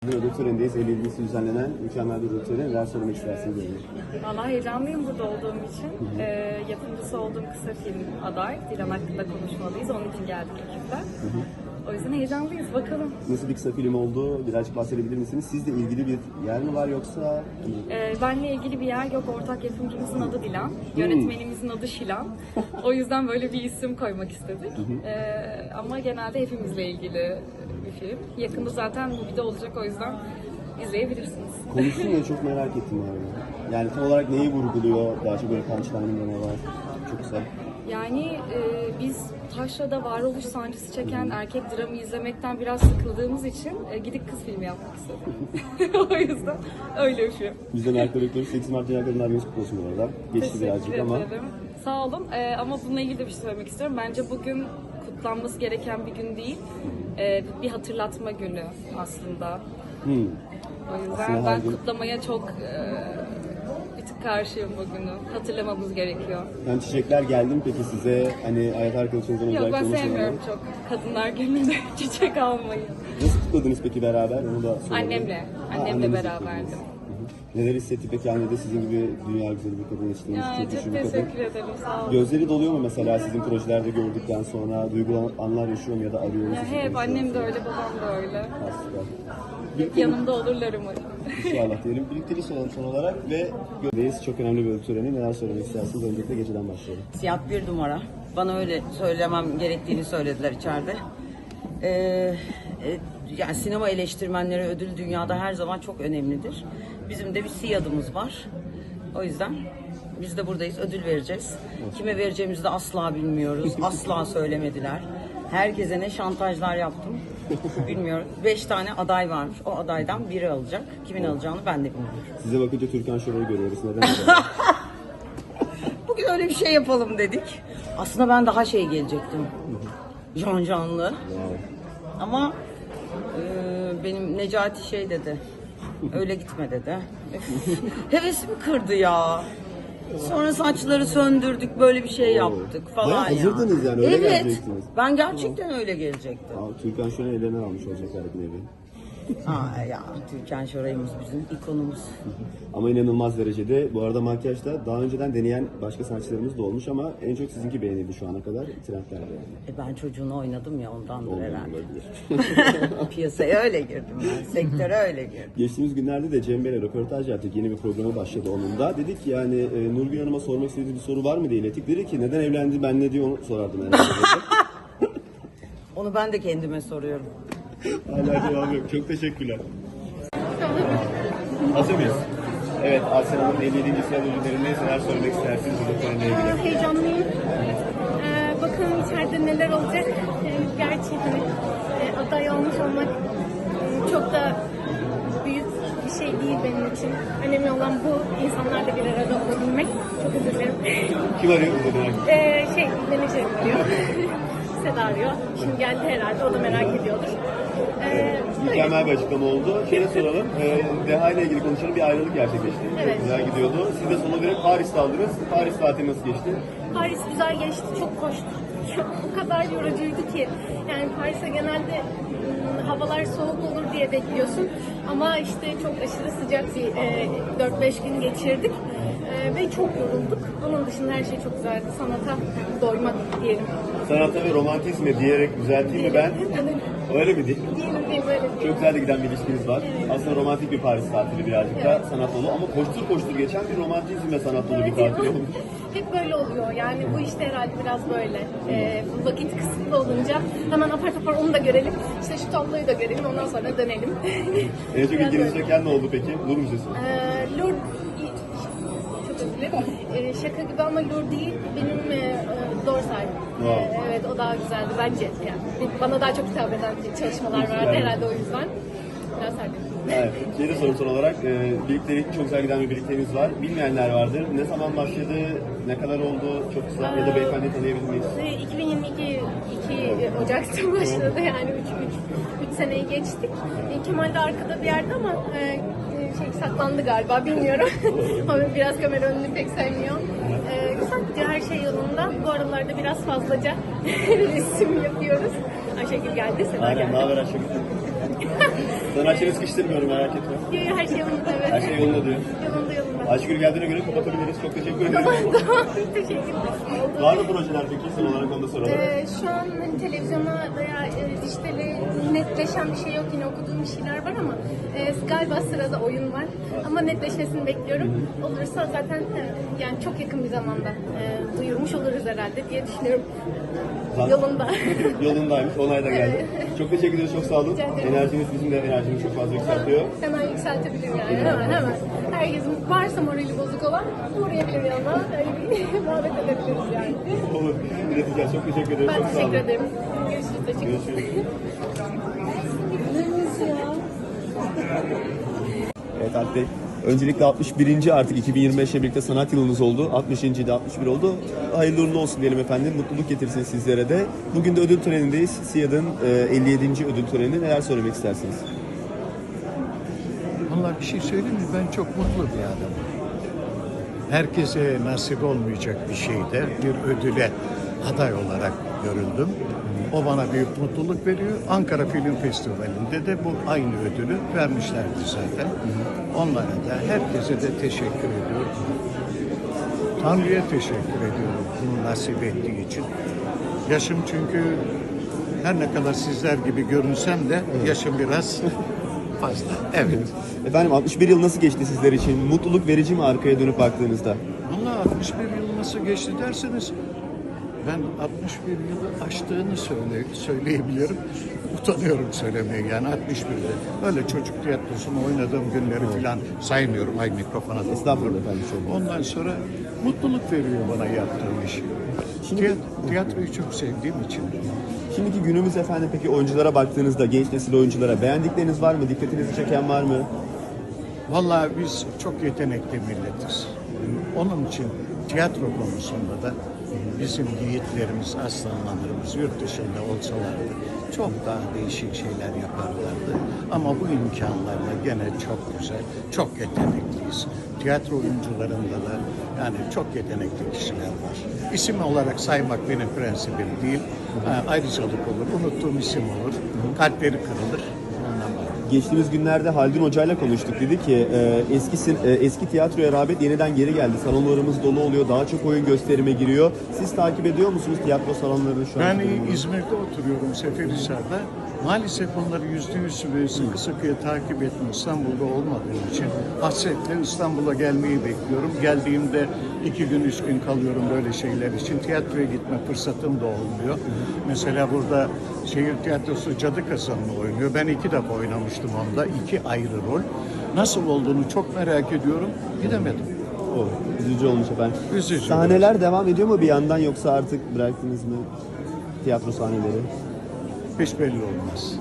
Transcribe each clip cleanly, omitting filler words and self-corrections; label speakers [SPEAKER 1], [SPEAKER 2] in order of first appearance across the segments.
[SPEAKER 1] Ödül törenindeyiz. 50.si düzenlenen mükemmel bir ödül töreni. Neler söylemek istersiniz?
[SPEAKER 2] Vallahi heyecanlıyım burada olduğum için. Yapımcısı olduğum kısa film aday. Dilan hakkında konuşmalıyız. Onun için geldik ekiple. O yüzden heyecanlıyız. Bakalım.
[SPEAKER 1] Nasıl bir kısa film oldu? Birazcık bahsedebilir misiniz? Sizle ilgili bir yer mi var yoksa?
[SPEAKER 2] Benle ilgili bir yer yok. Ortak yapımcımızın adı Dilan. Yönetmenimizin adı Şilan. O yüzden böyle bir isim koymak istedik. Ama genelde hepimizle ilgili bir film. Yakında zaten movie'de olacak, o yüzden izleyebilirsiniz.
[SPEAKER 1] Konusunu da çok merak ettim abi. Yani tam olarak neyi vurguluyor? Daha çok böyle punchline'ında ne var? Çok güzel.
[SPEAKER 2] Yani biz taşrada varoluş sancısı çeken erkek dramı izlemekten biraz sıkıldığımız için gidip kız filmi yapmak istedim. O yüzden öyle bir film.
[SPEAKER 1] Bizden merakla bekliyoruz. 8 Mart Dünya Kadınlar Günü kutlu olsun bu arada. Geçti birazcık ama.
[SPEAKER 2] Ederim. Sağ olun. Ama bununla ilgili de bir şey söylemek istiyorum. Bence bugün kutlanması gereken bir gün değil. Bir hatırlatma günü aslında. O yüzden
[SPEAKER 1] Aslında
[SPEAKER 2] ben
[SPEAKER 1] gün...
[SPEAKER 2] kutlamaya çok bir tık karşıyım bugünü. Hatırlamamız gerekiyor.
[SPEAKER 1] Yani çiçekler geldi mi peki size? Hani hayat arkadaşınızdan
[SPEAKER 2] Yok,
[SPEAKER 1] özellikle
[SPEAKER 2] ben sevmiyorum çok Kadınlar Günü'nde çiçek almayı.
[SPEAKER 1] Nasıl kutladınız peki beraber? Onu da soralım.
[SPEAKER 2] Annemle beraberdim.
[SPEAKER 1] Neler hissetti peki annede sizin gibi dünya güzeli bir kadın yetiştirmiş?
[SPEAKER 2] Yani çok teşekkür ederim, sağ olun.
[SPEAKER 1] Gözleri doluyor mu mesela sizin projelerde gördükten sonra? Duygulan anlar yaşıyor mu ya da arıyor mu?
[SPEAKER 2] Ya hep annem de öyle, babam da öyle.
[SPEAKER 1] Süper.
[SPEAKER 2] Hep yanımda olurlar umarım.
[SPEAKER 1] İnşallah diyelim. Birlikte soralım son olarak ve göreceğiz. Çok önemli bir ödül töreni. Neler söylemek istersiniz? Öncelikle geceden başlayalım.
[SPEAKER 3] Siyah bir numara. Bana öyle söylemem gerektiğini söylediler içeride. Yani sinema eleştirmenleri ödül dünyada her zaman çok önemlidir. Bizim de bir siyadımız var. O yüzden biz de buradayız. Ödül vereceğiz. Kime vereceğimizi de asla bilmiyoruz. Asla söylemediler. Herkese ne şantajlar yaptım bilmiyorum. 5 tane aday varmış. O adaydan biri alacak. Kimin alacağını ben de bilmiyorum.
[SPEAKER 1] Size bakınca Türkan Şoray'ı görüyoruz. Neden acaba?
[SPEAKER 3] Bugün öyle bir şey yapalım dedik. Aslında ben daha şey gelecektim. Canlı. Ama benim Necati şey dedi. Öyle gitme dedi. Hevesimi kırdı ya. Sonra saçları söndürdük, böyle bir şey yaptık falan
[SPEAKER 1] Bayağı
[SPEAKER 3] ya.
[SPEAKER 1] hazırdınız yani, öyle gelecektiniz.
[SPEAKER 3] Ben gerçekten öyle gelecektim.
[SPEAKER 1] Türkan Şoray'ın ellerinden almış olacaklar bir nevi.
[SPEAKER 3] Ya Türkan Şoray'ımız bizim ikonumuz.
[SPEAKER 1] Ama inanılmaz derecede. Bu arada makyajda daha önceden deneyen başka sanatçılarımız da olmuş ama en çok sizinki beğenildi şu ana kadar. Trendlerde yani.
[SPEAKER 3] Ben çocuğunu oynadım ya, ondandır
[SPEAKER 1] Olmadı,
[SPEAKER 3] herhalde.
[SPEAKER 1] olabilir.
[SPEAKER 3] Piyasaya öyle girdim ben, sektöre öyle girdim.
[SPEAKER 1] Geçtiğimiz günlerde de Cem Bey'le röportaj yaptık. Yeni bir programa başladı onun da. Dedik ki yani Nurgül Hanım'a sormak istediğiniz bir soru var mı diye ilettik. Dedi ki neden evlendi, ben ne diye onu sorardım herhalde.
[SPEAKER 3] Onu ben de kendime soruyorum.
[SPEAKER 1] Hala cevabı yok. Çok teşekkürler. Hazır mıyız? Evet, Asya Hanım'ın 57. sıra ödüllerinde neler söylemek istersiniz bu konuyla ilgili?
[SPEAKER 4] Heyecanlıyım. Bakalım içeride neler olacak. Gerçi hani aday olmuş olmak çok da büyük bir şey değil benim için. Önemli olan bu insanlarla bir arada olabilmek. Çok özür dilerim.
[SPEAKER 1] Kim arıyor bu merak
[SPEAKER 4] Menajerim arıyor. Seda arıyor. Şimdi geldi herhalde. O da merak ediyordur.
[SPEAKER 1] Mükemmel bir açıklama oldu. Şöyle soralım. Deha ile ilgili konuşalım. Bir ayrılık gerçekleşti.
[SPEAKER 4] Evet.
[SPEAKER 1] Çok güzel gidiyordu. Siz de sona verip Paris'te aldınız. Paris tatili nasıl geçti?
[SPEAKER 4] Paris güzel geçti. Çok koştu. O kadar yorucuydu ki. Yani Paris'e genelde havalar soğuk olur diye bekliyorsun. Ama işte çok aşırı sıcak bir 4-5 gün geçirdik. Ve çok yorulduk. Onun dışında her şey çok güzeldi. Sanata doymak diyelim.
[SPEAKER 1] Sanata ve romantizme diyerek düzelteyim mi ben? Öyle mi değil?
[SPEAKER 4] Diyelim böyle.
[SPEAKER 1] Çok güzel de giden bir ilişkiniz var. Aslında romantik bir Paris tatili birazcık da sanat dolu ama koştur koştur geçen bir romantizm ve sanat dolu bir tatil oldu.
[SPEAKER 4] Hep böyle oluyor. Yani bu işte herhalde biraz böyle. Vakit kısıtlı olunca hemen apar topar onu da görelim. İşte şu tabloyu da görelim. Ondan sonra dönelim.
[SPEAKER 1] En çok
[SPEAKER 4] Biraz
[SPEAKER 1] ilginizi
[SPEAKER 4] böyle.
[SPEAKER 1] çeken ne oldu peki? Nur Müzesi.
[SPEAKER 4] Lourdes, çok özür dilerim. Şaka gibi ama Lourdes değil. Benim Dorsal. Evet, o daha güzeldi bence. Yani bana daha çok hitap eden çalışmalar vardı herhalde, o yüzden. Biraz sardım.
[SPEAKER 1] Evet. Şeyde sorum son olarak, birliktelik çok güzel giden bir birlikteliğiniz var. Bilmeyenler vardır. Ne zaman başladı, ne kadar oldu, çok kısa ya da beyefendi tanıyabilir miyiz?
[SPEAKER 4] 2022 2 Ocak'ta başladı, yani 3 seneyi geçtik. Kemal de arkada bir yerde ama saklandı galiba, bilmiyorum. Ama biraz kamera önünü pek sevmiyor. Güzel, her şey yolunda. Bu aralarda biraz fazlaca resim yapıyoruz. Ayşegül geldi, Seda geldi.
[SPEAKER 1] Aynen, ne haber Ayşegül? Sanatçını sıkıştırmıyorum, merak etme.
[SPEAKER 4] Yok, her şey yolunda, evet.
[SPEAKER 1] Her şey yolunda diyor.
[SPEAKER 4] Yolunda.
[SPEAKER 1] Ayşegül geldiğine göre kapatabiliriz. Çok teşekkür ederim.
[SPEAKER 4] Tamam, teşekkürler.
[SPEAKER 1] Var mı projeler peki? Son olarak onu da soralım.
[SPEAKER 4] Şu an hani televizyona veya dijitale netleşen bir şey yok. Yine okuduğum bir şeyler var ama galiba sırada oyun var. Ama netleşmesini bekliyorum. Olursa zaten yani çok yakın bir zamanda duyurmuş oluruz herhalde diye düşünüyorum. Yolunda.
[SPEAKER 1] Yolundaymış. Onay da geldi. Çok teşekkür ederiz. Çok sağ olun.
[SPEAKER 4] Rica ederim.
[SPEAKER 1] Enerjiniz bizim de enerjimizi çok fazla yükseltiyor.
[SPEAKER 4] Hemen yükseltebilirim yani. Hemen. Herkesin varsa morali bozuk olan uğrayabilir yanına. Öyle bir muhabbet edebiliriz yani.
[SPEAKER 1] Olur. İleteceğiz. Çok teşekkür ederim.
[SPEAKER 4] Ben
[SPEAKER 1] çok sağ olun.
[SPEAKER 4] teşekkür ederim. Görüşürüz. Teşekkür ederim.
[SPEAKER 1] Görüşürüz. Evet Alp Bey, öncelikle 61. artık 2025'e birlikte sanat yılınız oldu. 60. de 61 oldu. Hayırlı uğurlu olsun diyelim efendim. Mutluluk getirsin sizlere de. Bugün de ödül törenindeyiz. SİAD'ın 57. ödül töreni. Neler söylemek istersiniz?
[SPEAKER 5] Vallahi bir şey söyleyeyim mi? Ben çok mutlu bir adamım. Herkese nasip olmayacak bir şeyde bir ödüle aday olarak görüldüm. O bana büyük mutluluk veriyor. Ankara Film Festivali'nde de bu aynı ödülü vermişlerdi zaten. Onlara da herkese de teşekkür ediyorum. Tanrı'ya teşekkür ediyorum bunu nasip ettiği için. Yaşım çünkü her ne kadar sizler gibi görünsem de yaşım biraz fazla. Evet.
[SPEAKER 1] Efendim 61 yıl nasıl geçti sizler için? Mutluluk verici mi arkaya dönüp baktığınızda?
[SPEAKER 5] Vallahi 61 yıl nasıl geçti derseniz ben 61 yılı aştığını söyleyebilirim. Utanıyorum söylemeye yani 61'de. Öyle çocuk tiyatrosunu oynadığım günleri falan saymıyorum. Ay mikrofona da.
[SPEAKER 1] Estağfurullah efendim. Şöyle.
[SPEAKER 5] Ondan sonra mutluluk veriyor bana yaptığım iş.
[SPEAKER 1] Şimdi-
[SPEAKER 5] Tiyatroyu çok sevdiğim için.
[SPEAKER 1] Şimdiki günümüz efendim peki oyunculara baktığınızda, genç nesil oyunculara beğendikleriniz var mı? Dikkatinizi çeken var mı?
[SPEAKER 5] Vallahi biz çok yetenekli milletiz. Onun için tiyatro konusunda da bizim yiğitlerimiz, aslanlarımız yurt dışında olsalardı çok daha değişik şeyler yaparlardı. Ama bu imkanlarla gene çok güzel, çok yetenekliyiz. Tiyatro oyuncularında da yani çok yetenekli kişiler var. İsim olarak saymak benim prensibim değil. Ayrıcalık olur, unuttuğum isim olur, kalpleri kırılır. Ondan bahsediyorum.
[SPEAKER 1] Geçtiğimiz günlerde Haldun Hoca'yla konuştuk. Dedi ki eski tiyatroya rağbet yeniden geri geldi. Salonlarımız dolu oluyor. Daha çok oyun gösterime giriyor. Siz takip ediyor musunuz tiyatro salonlarını şu an?
[SPEAKER 5] Ben İzmir'de oturuyorum Seferihisar'da. Maalesef onları %100 ve sıkı sıkıya takip etme İstanbul'da olmadığım için hasretle İstanbul'a gelmeyi bekliyorum. Geldiğimde 2 gün 3 gün kalıyorum böyle şeyler için. Tiyatroya gitme fırsatım da olmuyor. Mesela burada şehir tiyatrosu Cadı Kasanı'nı oynuyor. Ben 2 defa oynamıştım onda. 2 ayrı rol. Nasıl olduğunu çok merak ediyorum. Gidemedim.
[SPEAKER 1] O, üzücü olmuş efendim.
[SPEAKER 5] Üzücü.
[SPEAKER 1] Sahneler devam ediyor mu bir yandan yoksa artık bıraktınız mı tiyatro sahneleri?
[SPEAKER 5] Hiç belli olmaz.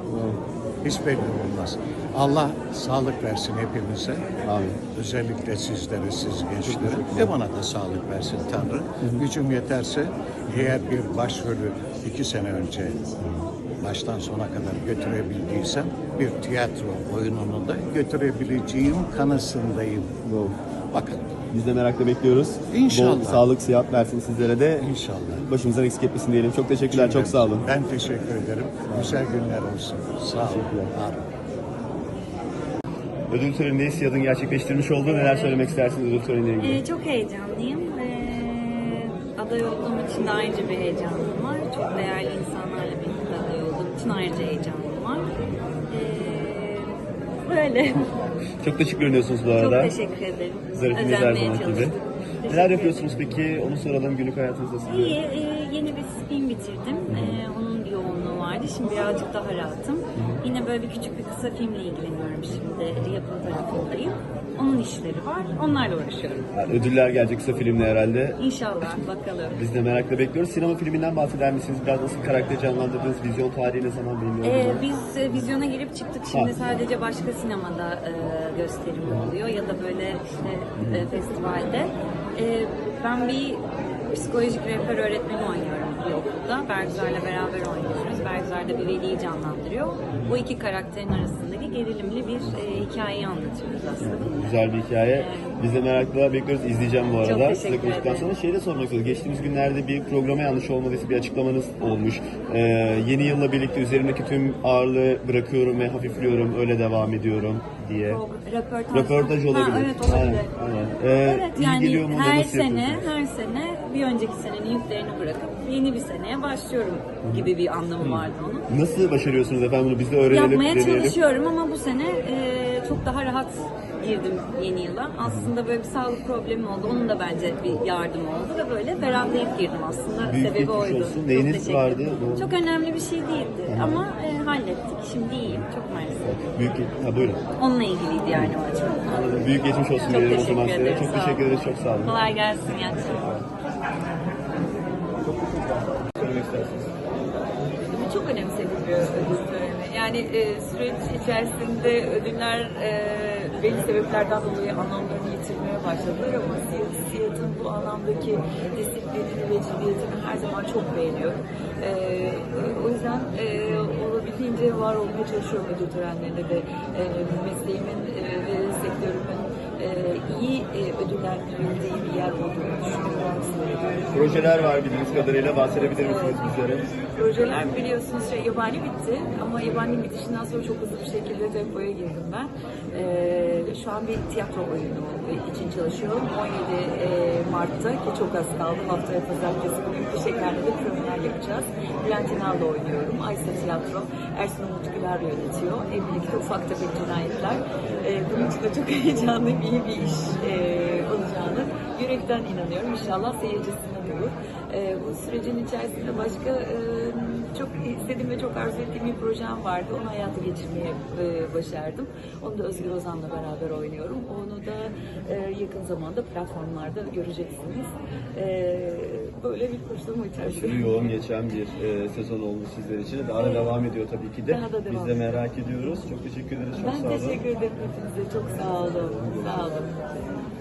[SPEAKER 5] Hiç belli olmaz. Allah sağlık versin hepimize.
[SPEAKER 1] Amin.
[SPEAKER 5] Özellikle sizlere, siz gençlere. Ve bana da sağlık versin Tanrı. Gücüm yeterse eğer bir başrolü 2 sene önce baştan sona kadar götürebildiysem bir tiyatro oyununu da götürebileceğim kanısındayım.
[SPEAKER 1] Wow.
[SPEAKER 5] Bakalım.
[SPEAKER 1] Biz de merakla bekliyoruz.
[SPEAKER 5] İnşallah.
[SPEAKER 1] Bol sağlık, sıhhat versin sizlere de.
[SPEAKER 5] İnşallah.
[SPEAKER 1] Başımızdan eksik etmesin diyelim. Çok teşekkürler, çok sağ olun.
[SPEAKER 5] Ben teşekkür ederim. Güzel günler olsun. Sağ olun.
[SPEAKER 1] Teşekkürler.
[SPEAKER 5] Var olun.
[SPEAKER 1] Ödül törenindeyiz. SİAD'ın gerçekleştirmiş olduğu neler söylemek istersiniz ödül töreniyle ilgili?
[SPEAKER 6] Çok heyecanlıyım. Aday olduğum için de ayrıca bir heyecanım var. Çok değerli insanlarla birlikte aday olduğum için ayrıca heyecanım var. Böyle.
[SPEAKER 1] Çok da şık görünüyorsunuz bu
[SPEAKER 6] Çok
[SPEAKER 1] arada.
[SPEAKER 6] teşekkür ederim.
[SPEAKER 1] Zarifiniz her
[SPEAKER 6] Özenmeye
[SPEAKER 1] zaman gibi.
[SPEAKER 6] çalıştım.
[SPEAKER 1] Neler yapıyorsunuz peki? Onu soralım. Günlük hayatınızda sizin.
[SPEAKER 6] İyi, yeni bir spin bitirdim. Onun bir yoğunluğu vardı. Şimdi birazcık daha rahatım. Yine böyle bir küçük bir kısa filmle ilgileniyorum şimdi. Yapım tarafındayım. Onun işleri var. Onlarla uğraşıyorum.
[SPEAKER 1] Yani ödüller gelecek kısa filmle herhalde.
[SPEAKER 6] İnşallah bakalım.
[SPEAKER 1] Biz de merakla bekliyoruz. Sinema filminden bahseder misiniz? Biraz nasıl karakter canlandırdınız? Vizyon tarihi ne zaman bilmiyorum.
[SPEAKER 6] Biz vizyona girip çıktık. Şimdi sadece başka sinemada gösterim oluyor ya da böyle işte festivalde. Ben bir psikolojik rehber öğretmeni oynuyorum bir okulda. Bergüzar'la beraber oynuyoruz. Bergüzar da bir veliyi canlandırıyor. Bu iki karakterin arasındaki gerilimli bir hikayeyi anlatıyoruz aslında.
[SPEAKER 1] Güzel bir hikaye. Biz de merakla bekliyoruz. İzleyeceğim bu arada.
[SPEAKER 6] teşekkür
[SPEAKER 1] Size konuştuktan
[SPEAKER 6] ederim.
[SPEAKER 1] sonra şeyi de sormak istiyorum. Geçtiğimiz günlerde bir programa yanlış olmadıysa bir açıklamanız olmuş. Yeni yılla birlikte üzerimdeki tüm ağırlığı bırakıyorum ve hafifliyorum. Öyle devam ediyorum diye. Röportaj olabilir.
[SPEAKER 6] Ha, evet olabilir.
[SPEAKER 1] Aynen, aynen.
[SPEAKER 6] Evet
[SPEAKER 1] iyi
[SPEAKER 6] yani
[SPEAKER 1] geliyor mu?
[SPEAKER 6] her
[SPEAKER 1] Nasıl
[SPEAKER 6] sene
[SPEAKER 1] yapıyorsunuz?
[SPEAKER 6] bir önceki senenin yüklerini bırakıp yeni bir seneye başlıyorum gibi bir anlamı vardı onun.
[SPEAKER 1] Nasıl başarıyorsunuz efendim bunu? Biz de öğrenelim,
[SPEAKER 6] Yapmaya
[SPEAKER 1] deneyelim.
[SPEAKER 6] çalışıyorum ama bu sene çok daha rahat girdim yeni yıla. Aslında böyle bir sağlık problemi oldu. Onun da bence bir yardım oldu ve böyle ferahlayıp girdim aslında.
[SPEAKER 1] Büyük
[SPEAKER 6] Sebebi
[SPEAKER 1] geçmiş
[SPEAKER 6] oydu.
[SPEAKER 1] olsun.
[SPEAKER 6] Çok
[SPEAKER 1] Neyiniz
[SPEAKER 6] teşekkür
[SPEAKER 1] vardı?
[SPEAKER 6] ederim.
[SPEAKER 1] Doğru.
[SPEAKER 6] Çok önemli bir şey değildi ama hallettik. Şimdi iyiyim. Çok mersi.
[SPEAKER 1] Buyurun.
[SPEAKER 6] Onunla ilgiliydi yani o açıdan.
[SPEAKER 1] Büyük geçmiş olsun
[SPEAKER 6] Çok
[SPEAKER 1] diyelim o
[SPEAKER 6] teşekkür
[SPEAKER 1] zaman size.
[SPEAKER 6] ederim.
[SPEAKER 1] Çok
[SPEAKER 6] Sağ
[SPEAKER 1] teşekkür
[SPEAKER 6] olun.
[SPEAKER 1] ederiz. Çok sağ olun.
[SPEAKER 6] Kolay gelsin. İyi akşamlar.
[SPEAKER 1] Söylemek istersiniz.
[SPEAKER 7] Çok önemsedik bir ödül töreni. Yani süreç içerisinde ödüller belli sebeplerden dolayı anlamlarını yitirmeye başladılar ama Siyat'ın bu anlamdaki disiplinini ve ciddiyetini her zaman çok beğeniyorum. O yüzden olabildiğince var olmaya çalışıyorum ödül törenlerinde de mesleğimin ve sektörümün iyi ödüllendirildiği bir yer olduğunu düşünüyorum.
[SPEAKER 1] Projeler var bildiğiniz kadarıyla. Bahsedebilir misiniz bizlere?
[SPEAKER 7] Projeler biliyorsunuz yabani bitti ama yabaninin bitişinden sonra çok hızlı bir şekilde tempoya girdim ben. Şu an bir tiyatro oyunu için çalışıyorum. 17 Mart'ta ki çok az kaldı. Haftaya pazartesi günü bir şekilde de premier yapacağız. Bülent İnal'da oynuyorum. Aysa Tiyatro. Ersun Umut Güler yönetiyor. Evlilikte ufak tefek cinayetler. Bunun için de çok heyecanlıyım. İyi bir iş olacağını yürekten inanıyorum. İnşallah seyircisinden olur. Bu sürecin içerisinde başka çok istediğim ve çok arzu ettiğim bir projem vardı. Onu hayata geçirmeye başardım. Onu da Özgür Ozan'la beraber oynuyorum. Onu da yakın zamanda platformlarda göreceksiniz. Böyle bir koşturma içerisinde.
[SPEAKER 1] Aşırı yoğun geçen bir sezon oldu sizler için. Daha da devam ediyor tabii ki de.
[SPEAKER 7] Daha da devam
[SPEAKER 1] Biz de merak ediyoruz. Çok teşekkür ederiz. Çok sağ
[SPEAKER 7] Ben
[SPEAKER 1] olun.
[SPEAKER 7] teşekkür ederim hepinize. Çok sağ olun. Sağ olun.